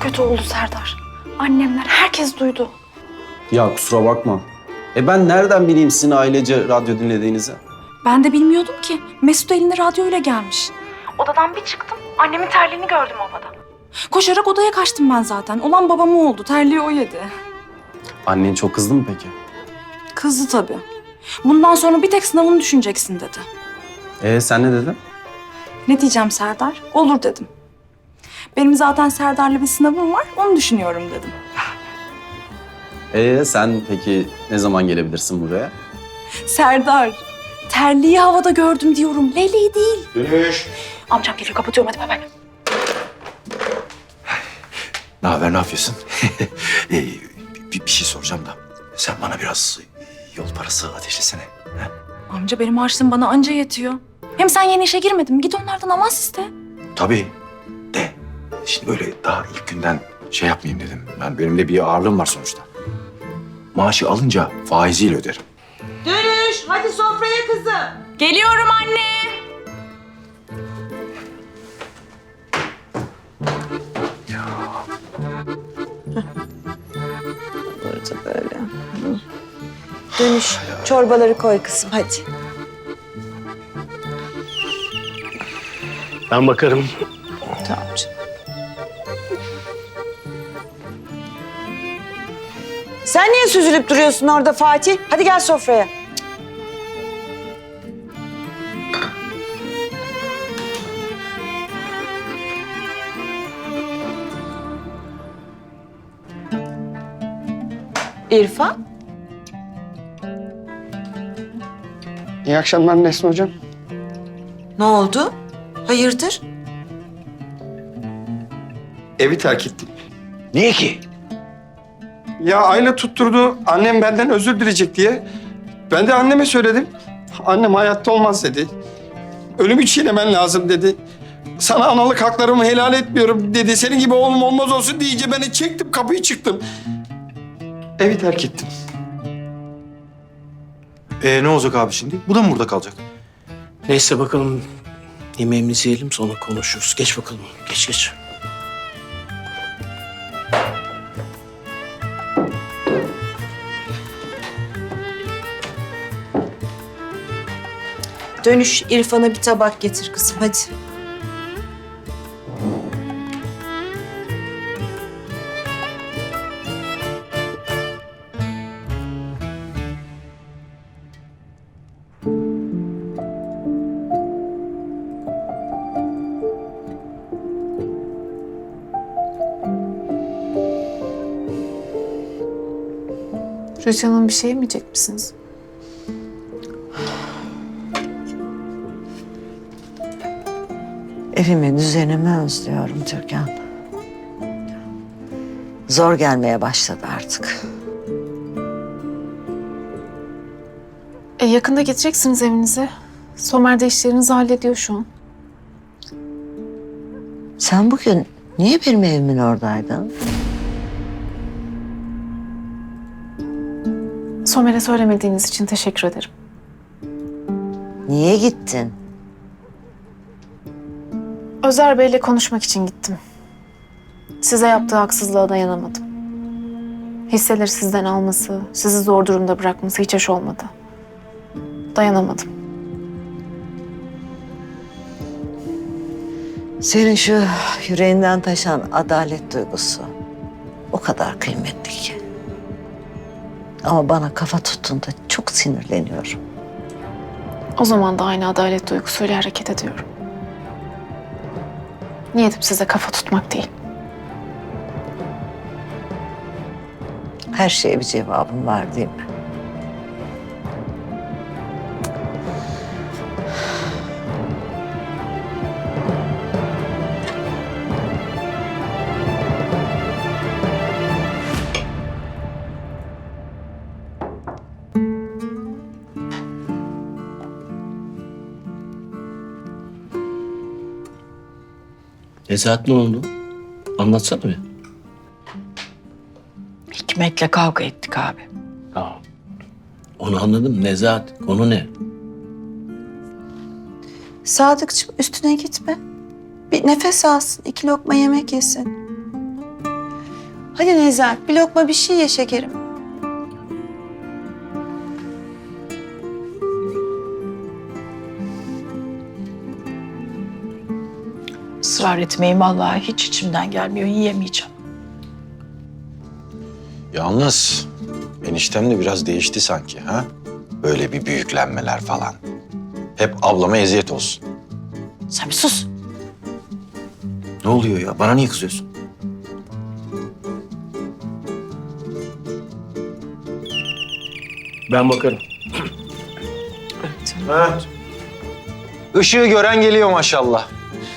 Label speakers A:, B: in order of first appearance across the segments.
A: kötü oldu Serdar. Annemler, herkes duydu.
B: Ya kusura bakma. Ben nereden bileyim sizin ailece radyo dinlediğinizi?
A: Ben de bilmiyordum ki. Mesut eline radyoyla gelmiş. Odadan bir çıktım, annemin terliğini gördüm havada. Koşarak odaya kaçtım ben zaten. Olan babama oldu, terliği o yedi.
B: Annen çok kızdı mı peki?
A: Kızdı tabii. Bundan sonra bir tek sınavını düşüneceksin dedi.
B: Sen ne dedin?
A: Ne diyeceğim Serdar? Olur dedim. Benim zaten Serdar'la bir sınavım var, onu düşünüyorum dedim.
B: Sen peki ne zaman gelebilirsin buraya?
A: Serdar, terliği havada gördüm diyorum. Leyleği değil.
C: Dönüş.
A: Amcam geliyor, kapatıyorum hadi bay bay.
C: Ne haber, ne yapıyorsun? Bir şey soracağım da. Sen bana biraz yol parası ateşlesene. He?
A: Amca benim harçlığım bana anca yetiyor. Hem sen yeni işe girmedin mi? Git onlardan avans iste.
C: Tabii. De. Şimdi böyle daha ilk günden şey yapmayayım dedim. Benim de bir ağırlığım var sonuçta. Maaşı alınca faiziyle öderim.
D: Dönüş, hadi sofraya kızım.
A: Geliyorum anne.
D: Burada böyle. Dönüş, çorbaları koy kızım hadi.
E: Ben bakarım.
D: Tamam canım. Sen niye süzülüp duruyorsun orada Fatih? Hadi gel sofraya. İrfan?
F: İyi akşamlar Nesrin Hocam.
D: Ne oldu? Hayırdır?
F: Evi terk ettim.
C: Niye ki?
F: Ya aile tutturdu, annem benden özür dileyecek diye. Ben de anneme söyledim. Annem hayatta olmaz dedi. Ölümü çiğnemen lazım dedi. Sana analık haklarımı helal etmiyorum dedi. Senin gibi oğlum olmaz olsun deyince beni çektim, kapıyı çıktım. Evi terk ettim.
C: Ne olacak abi şimdi? Bu da mı burada kalacak?
E: Neyse bakalım. Yemeğimizi yiyelim sonra konuşuruz. Geç bakalım. Geç geç.
D: Dönüş, İrfan'a bir tabak getir kızım hadi.
G: Rüçhan Hanım bir şey yemeyecek misiniz?
H: Evimi, düzenimi özlüyorum Türkan. Zor gelmeye başladı artık.
G: Yakında gideceksiniz evinize. Somer de işlerinizi hallediyor şu an.
H: Sen bugün niye benim evimin oradaydın?
G: Somer'e söylemediğiniz için teşekkür ederim.
H: Niye gittin?
G: Özer Bey'le konuşmak için gittim. Size yaptığı haksızlığa dayanamadım. Hisseleri sizden alması, sizi zor durumda bırakması hiç hoş olmadı. Dayanamadım.
H: Senin şu yüreğinden taşan adalet duygusu o kadar kıymetli ki. Ama bana kafa tuttuğunda çok sinirleniyorum.
G: O zaman da aynı adalet duygusuyla hareket ediyorum. Niyetim size kafa tutmak değil.
H: Her şeye bir cevabım var değil mi?
E: Nezahat ne oldu? Anlatsana bir.
D: Hikmet'le kavga ettik abi.
E: Tamam. Onu anladım. Nezahat. Konu ne?
D: Sadıkçım üstüne gitme. Bir nefes alsın, 2 lokma yemek yesin. Hadi Nezahat bir lokma bir şey ye şekerim.
I: Israr etmeyin vallahi hiç içimden gelmiyor. Yiyemeyeceğim.
C: Yalnız eniştem de biraz değişti sanki ha? Böyle bir büyüklenmeler falan. Hep ablama eziyet olsun.
I: Sen bir sus.
C: Ne oluyor ya? Bana niye kızıyorsun?
E: Ben bakarım.
C: Ha. Işığı gören geliyor maşallah.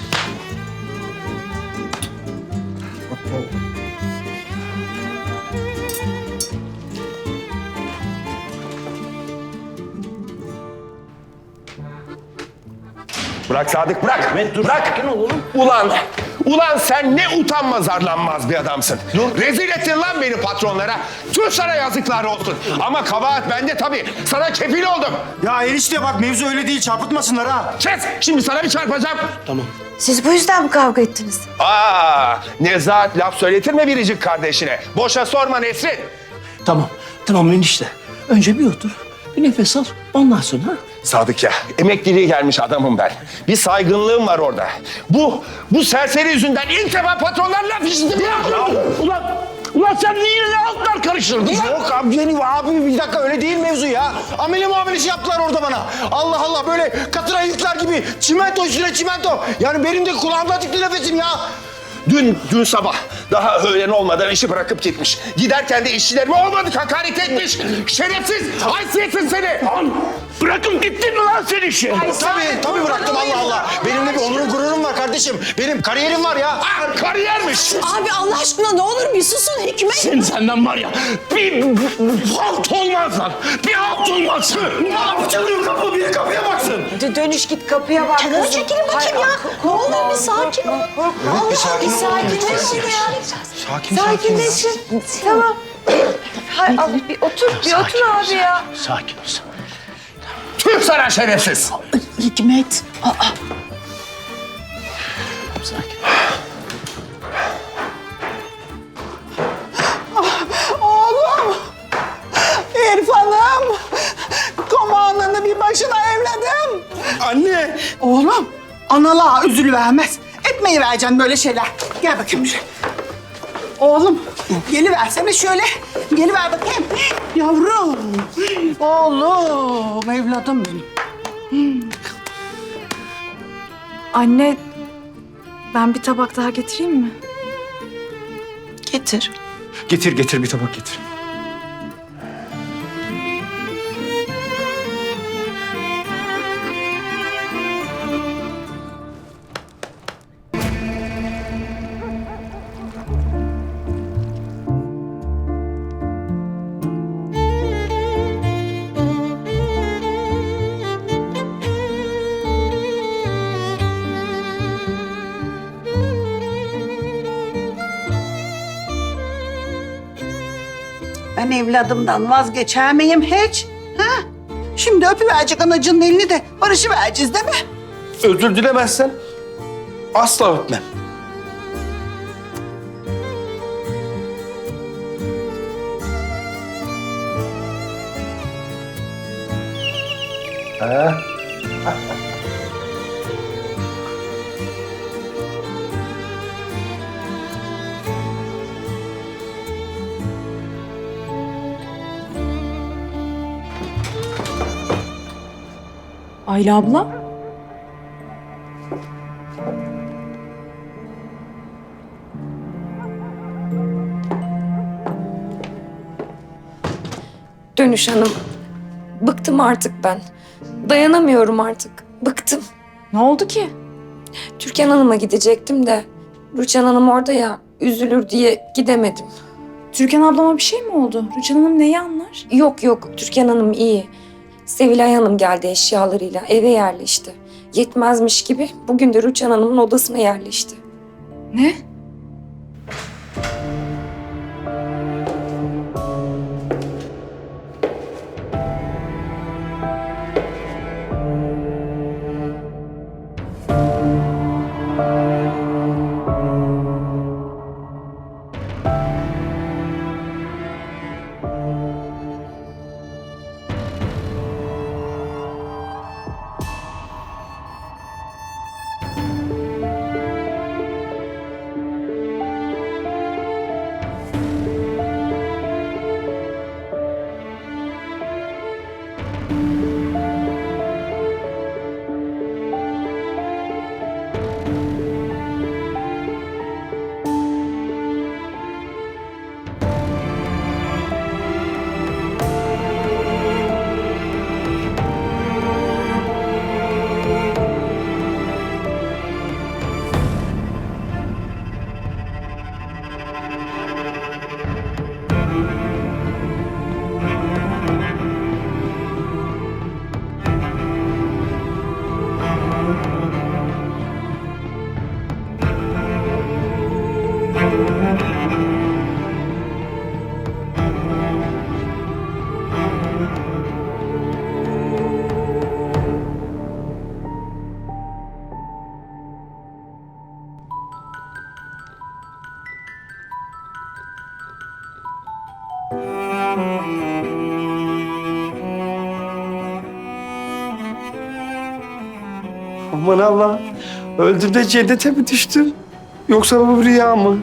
J: Bırak Sadık bırak. Bırak. Ulan sen ne utanmaz arlanmaz bir adamsın. Rezil ettin lan beni patronlara. Tüh sana yazıklar olsun. Ama kabahat bende tabii. Sana kefil oldum.
K: Ya enişte bak mevzu öyle değil çarpıtmasınlar ha.
J: Kes. Şimdi sana bir çarpacağım.
E: Tamam.
D: Siz bu yüzden mi kavga ettiniz?
J: Nezahat laf söyletirme biricik kardeşine. Boşa sorma Nesrin.
E: Tamam enişte. Önce bir otur. Bir nefes al. Ondan sonra ha?
J: Sadık ya, emekliliğe gelmiş adamım ben. Bir saygınlığım var orada. Bu serseri yüzünden ilk defa patronlar laf işittim ya.
E: Ulan sen niye ne altlar karıştırdın lan?
K: Yok abi bir dakika öyle değil mevzu ya. Amele muamelesi yaptılar orada bana. Allah Allah böyle katıra yıklar gibi çimento üstüne çimento. Yani benim de kulağımda tıktı nefesim ya.
J: Dün sabah daha öğlen olmadan işi bırakıp gitmiş. Giderken de işçilerime olmadık hakaret etmiş. Şerefsiz, haysiyetsiz seni.
E: Bırakın gittin mi lan sen işi?
K: Tabii bıraktım Allah Allah. Benim de bir onurum gururum var kardeşim. Benim kariyerim var ya.
J: Kariyermiş.
I: Abi Allah aşkına ne olur bir susun Hikmet.
E: Senden var ya bir halt olmaz lan. Bir halt olmaz.
K: Ne yapacağım kapı biri kapıya baksın.
D: Dönüş git kapıya bak
I: Kenara
D: kızım.
I: çekilin bakayım ya. Ne olur bir sakin ol.
K: Bir sakin ol.
D: Sakinleşin ya.
K: Sakin.
D: Sakinleşin. Tamam. Hay Allah bir otur abi ya.
E: Sakin ol sen.
J: Tüh sana şerefsiz.
I: Hikmet.
E: Sakin.
I: Oğlum. İrfan'ım. Komandanı bir başına evladım.
K: Anne.
I: Oğlum. Analığa üzülüvermez. Etmeyi vereceksin böyle şeyler. Gel bakayım buraya. Oğlum. Geliversene şöyle. Geliver bakayım. Yavrum. Oğlum. Evladım benim.
A: Anne, ben bir tabak daha getireyim mi?
I: Getir.
F: Getir bir tabak getir.
I: Ben evladımdan vazgeçer miyim hiç? Ha? Şimdi öpüverecek anacının elini de barışıvereceğiz değil mi?
F: Özür dilemezsen asla öpmem.
A: Ayla abla.
L: Dönüş Hanım. Bıktım artık ben. Dayanamıyorum artık. Bıktım.
A: Ne oldu ki?
L: Türkan Hanım'a gidecektim de Rüçhan Hanım orada ya, üzülür diye gidemedim.
A: Türkan ablama bir şey mi oldu? Rüçhan Hanım neyi anlar?
L: Yok, Türkan Hanım iyi. Sevilay Hanım geldi eşyalarıyla, eve yerleşti. Yetmezmiş gibi bugün de Rüçhan Hanım'ın odasına yerleşti.
A: Ne?
F: Aman Allah. Öldüm de cennete mi düştüm? Yoksa bu bir rüya mı?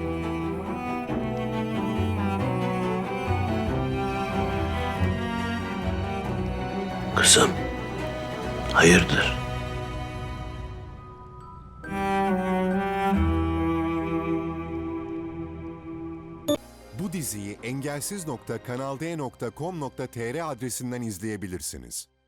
E: Kızım, hayırdır?
M: Bu diziyi engelsiz.kanalde.com.tr adresinden izleyebilirsiniz.